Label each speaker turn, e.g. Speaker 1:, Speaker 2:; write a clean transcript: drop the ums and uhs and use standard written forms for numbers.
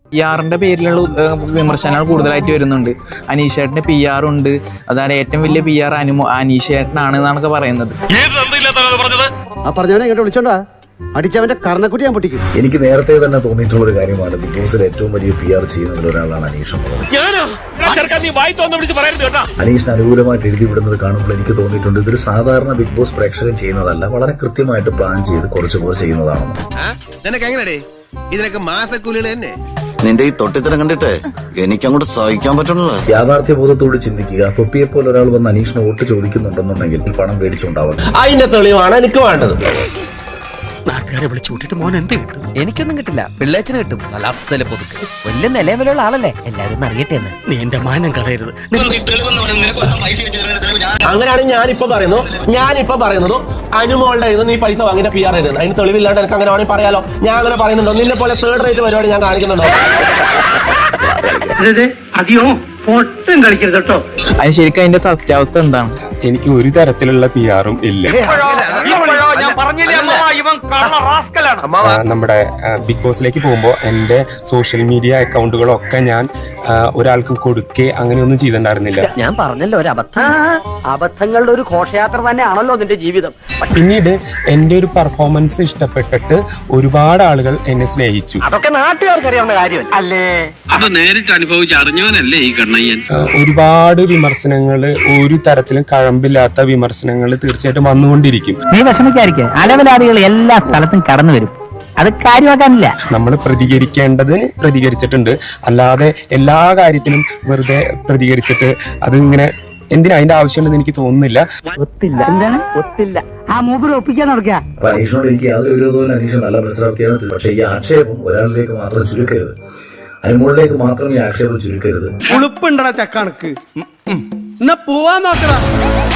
Speaker 1: PR-ന്റെ പേരിലുള്ള വിമർശനങ്ങൾ കൂടുതലായിട്ട് വരുന്നുണ്ട്. അനീഷേട്ടന് PR ഉണ്ട്, അതായത് ഏറ്റവും വലിയ PR അനീഷേട്ടനാണ് എന്നാണ് പറയുന്നത്.
Speaker 2: അടിച്ചവന്റെ കർണക്കുട്ടി ഞാൻ പൊട്ടിക്കും.
Speaker 3: എനിക്ക് നേരത്തെ തന്നെ തോന്നിയിട്ടുള്ള ഒരു കാര്യമാണ്, ബിഗ് ബോസിൽ ഏറ്റവും വലിയ PR ചെയ്യുന്നതിൽ ഒരാളാണ് അനീഷ്. അനീഷിന് അനുകൂലമായിട്ട് എഴുതി വിടുന്നത് കാണുമ്പോൾ എനിക്ക് തോന്നിയിട്ടുണ്ട് ഇതൊരു സാധാരണ ബിഗ് ബോസ് പ്രേക്ഷകൻ ചെയ്യുന്നതല്ല, വളരെ കൃത്യമായിട്ട് പ്ലാൻ ചെയ്ത് കുറച്ചു പേർ ചെയ്യുന്നതാണെന്ന്.
Speaker 4: ഇതിനൊക്കെ മാസക്കൂലികൾ തന്നെ.
Speaker 5: നിന്റെ ഈ തൊട്ടിത്തരം കണ്ടിട്ട് എനിക്കങ്ങോട്ട് സഹിക്കാൻ പറ്റുന്നില്ല.
Speaker 3: യാഥാർത്ഥ്യബോധത്തോട് ചിന്തിക്കുക. തൊപ്പിയെപ്പോലെ ഒരാൾ വന്ന് അനീഷിന് വോട്ട് ചോദിക്കുന്നുണ്ടെന്നുണ്ടെങ്കിൽ പണം മേടിച്ചുണ്ടാവുക.
Speaker 6: അതിന്റെ തെളിവാണ് എനിക്ക് വേണ്ടത്.
Speaker 7: നാട്ടുകാരെ വിളിച്ചു കൂട്ടിട്ട് മോൻ എന്ത് കിട്ടും?
Speaker 8: എനിക്കൊന്നും കിട്ടില്ല, പിള്ളേച്ചന് കിട്ടും. നല്ല അസല് പുതുക്ക്, വലിയ നിലവിലുള്ള ആളല്ലേ, എല്ലാവരും അറിയട്ടെ എന്ന്.
Speaker 7: നീ എന്റെ മാനം കളയരുത്.
Speaker 6: അങ്ങനെയാണ് ഞാനിപ്പോ പറയുന്നത് അനുമോളുടെ നീ പൈസ വാങ്ങിയ PR ആയിരുന്നു. അതിന് തെളിവില്ലാണ്ട് എനിക്ക് അങ്ങനെ വേണമെങ്കിൽ പറയാലോ. ഞാൻ അങ്ങനെ പറയുന്നുണ്ടോ? നിന്നെ പോലെ തേർഡ് റേറ്റ് പരിപാടി ഞാൻ കാണിക്കുന്നുണ്ടോ?
Speaker 2: അതെയോ പൊട്ടും കളിക്കരുത് കേട്ടോ.
Speaker 1: അതിന് ശരിക്കും അതിന്റെ സത്യാവസ്ഥ എന്താണ്?
Speaker 9: എനിക്ക് ഒരു തരത്തിലുള്ള PR-ഉം ഇല്ല. നമ്മുടെ ബിഗ് ബോസിലേക്ക് പോകുമ്പോൾ എൻ്റെ സോഷ്യൽ മീഡിയ അക്കൗണ്ടുകളൊക്കെ ഞാൻ ഒരാൾക്കും കൊടുക്കേ അങ്ങനെയൊന്നും ചെയ്തിട്ടുണ്ടായിരുന്നില്ല.
Speaker 8: ഞാൻ പറഞ്ഞല്ലോ, ഒരു അബദ്ധങ്ങളുടെ ഒരു ഘോഷയാത്ര തന്നെയാണല്ലോ നിന്റെ ജീവിതം.
Speaker 9: പിന്നീട് എൻ്റെ ഒരു പെർഫോമൻസ് ഇഷ്ടപ്പെട്ടിട്ട് ഒരുപാട് ആളുകൾ എന്നെ സ്നേഹിച്ചു.
Speaker 8: അതൊക്കെ നാട്ടുകാർക്ക് അറിയാവുന്ന കാര്യം അല്ലേ?
Speaker 7: അത് നേരിട്ട് അനുഭവിച്ച് അറിഞ്ഞവനല്ലേ ഈ കണ്ണയ്യൻ.
Speaker 9: ഒരുപാട് വിമർശനങ്ങൾ, ഒരു തരത്തിലും കഴമ്പില്ലാത്ത വിമർശനങ്ങൾ തീർച്ചയായിട്ടും വന്നുകൊണ്ടിരിക്കും.
Speaker 8: നീ വിഷമിക്കാതിരിക്കുക, അലവലാദികൾ എല്ലാ സ്ഥലത്തും കടന്നു വരും, അത് കാര്യമാക്കാനില്ല.
Speaker 9: നമ്മൾ പ്രതികരിക്കേണ്ടതിന് പ്രതികരിച്ചിട്ടുണ്ട്, അല്ലാതെ എല്ലാ കാര്യത്തിലും വെറുതെ പ്രതികരിച്ചിട്ട് അതിങ്ങനെ എന്തിനാ അതിന്റെ ആവശ്യമുണ്ടെന്ന് എനിക്ക് തോന്നുന്നില്ല.
Speaker 8: ഒത്തില്ല, എന്താണ് ഒത്തില്ല? ആ മൂപ്പര് ഒപ്പിക്കാൻ നടക്കുക.
Speaker 3: അനീഷിനോട് എനിക്ക് യാതൊരു വിരോധവും, അനീഷ് നല്ല മത്സരാർത്ഥിയാണ്. പക്ഷേ ഈ ആക്ഷേപം ഒരാളിലേക്ക് മാത്രം ചുരുക്കരുത്, അനുമോളിലേക്ക് മാത്രം ഈ ആക്ഷേപം ചുരുക്കരുത്.
Speaker 4: ഉളുപ്പുണ്ടടാ ചക്കണക്ക്. എന്നാ പോവാൻ നോക്കടാ.